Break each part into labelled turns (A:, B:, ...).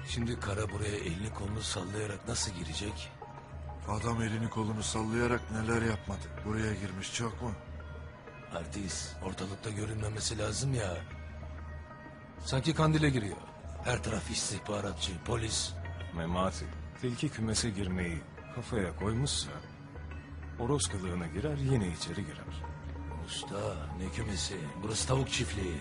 A: Şimdi Kara buraya elini kolunu sallayarak nasıl girecek?
B: Adam elini kolunu sallayarak neler yapmadı. Buraya girmiş çok mu?
A: Artist, ortalıkta görünmemesi lazım ya. Sanki Kandil'e giriyor. Her taraf istihbaratçı, polis.
C: Memati, tilki kümese girmeyi kafaya koymuşsa... ...horoz kılığına girer, yine içeri girer.
A: Usta, ne kümesi? Burası tavuk çiftliği.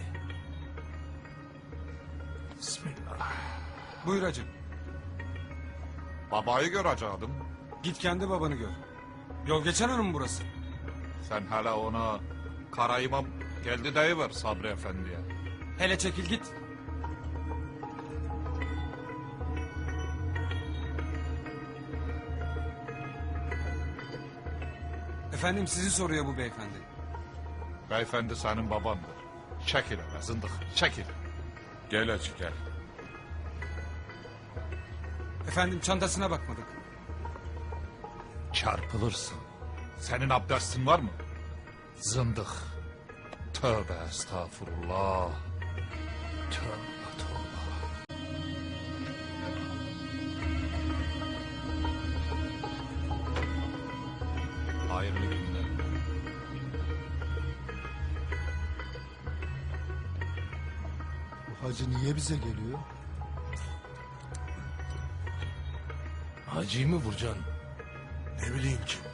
C: Bismillah.
D: Buyur hacım.
E: Babayı görecektim.
D: Git kendi babanı gör. Yol geçen hanım burası.
E: Sen hala ona Kara İmam geldi deyiver Sabri Efendi'ye.
D: Hele çekil git. Efendim sizi soruyor bu beyefendi.
E: Beyefendi senin babandır. Çekil hele zındık, çekil.
C: Gel hacı gel.
D: Efendim çantasına bakmadık.
E: Çarpılırsın. Senin abdestin var mı? Zındık. Tövbe estağfurullah. Tövbe tövbe. Hayırlı günler.
B: Bu hacı niye bize geliyor?
A: Hacı'yı mı vuracaksın?
B: Ne bileyim ki.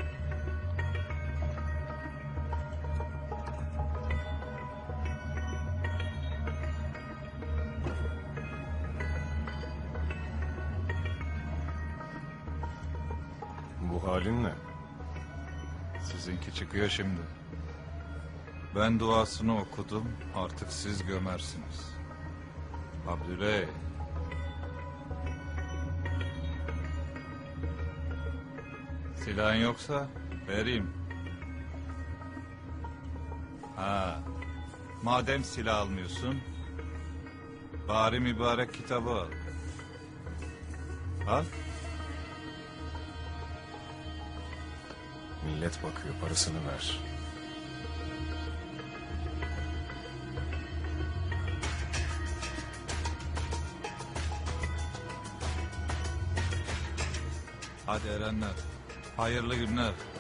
C: Bu halin ne?
E: Sizinki çıkıyor şimdi. Ben duasını okudum, artık siz gömersiniz. Abdüley. Silahın yoksa vereyim. Ha, madem silah almıyorsun, bari mübarek kitabı al. Al.
C: Millet bakıyor, parasını ver.
E: Hadi erenler, hayırlı günler.